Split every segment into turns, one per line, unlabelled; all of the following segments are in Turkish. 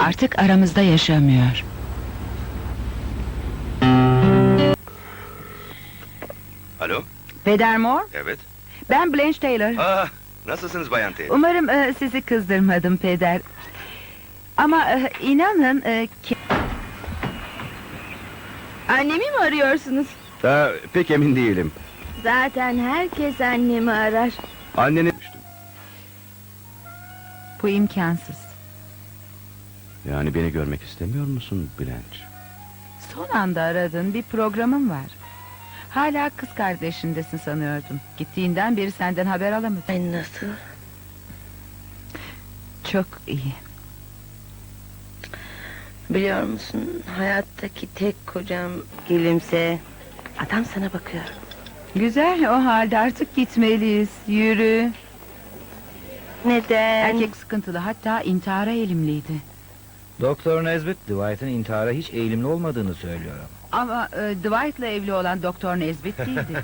Artık aramızda yaşamıyor.
Alo,
Peder Moore,
evet.
ben Blanche Taylor.
Nasılsınız Bayan Taylor?
Umarım sizi kızdırmadım Peder. Ama inanın ki...
Annemi mi arıyorsunuz?
Pek emin değilim.
Zaten herkes annemi arar.
Anneni...
Bu imkansız.
Yani beni görmek istemiyor musun Blanche?
Son anda aradın, bir programım var. Hala kız kardeşindesin sanıyordum. Gittiğinden beri senden haber alamadım.
Ay nasıl?
Çok iyi.
Biliyor musun, hayattaki tek kocam gülümse. Adam sana bakıyor.
Güzel, o halde artık gitmeliyiz. Yürü.
Neden?
Erkek sıkıntılı, hatta intihara eğilimliydi.
Doktor Nesbit, Dwight'ın intihara hiç eğilimli olmadığını söylüyor.
Ama Dwight'la evli olan Doktor Nesbit değildi.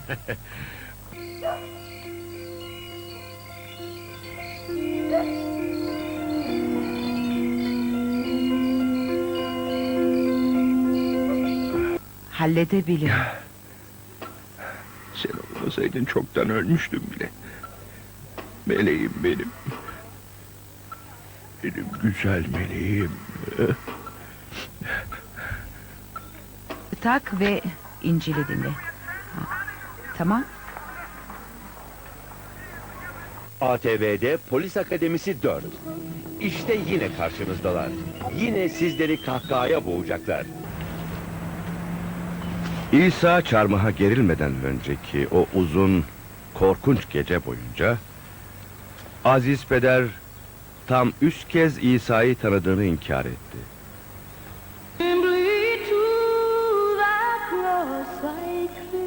Halledebilirim.
Sen olmasaydın çoktan ölmüştüm bile. Meleğim benim. Benim güzel meleğim.
Tak ve İncil'i dinle. Tamam.
ATV'de Polis Akademisi 4. İşte yine karşınızdalar. Yine sizleri kahkahaya boğacaklar.
İsa çarmıha gerilmeden önceki o uzun, korkunç gece boyunca... Aziz Peder tam 3 kez İsa'yı tanıdığını inkar etti.
To the cross I cling.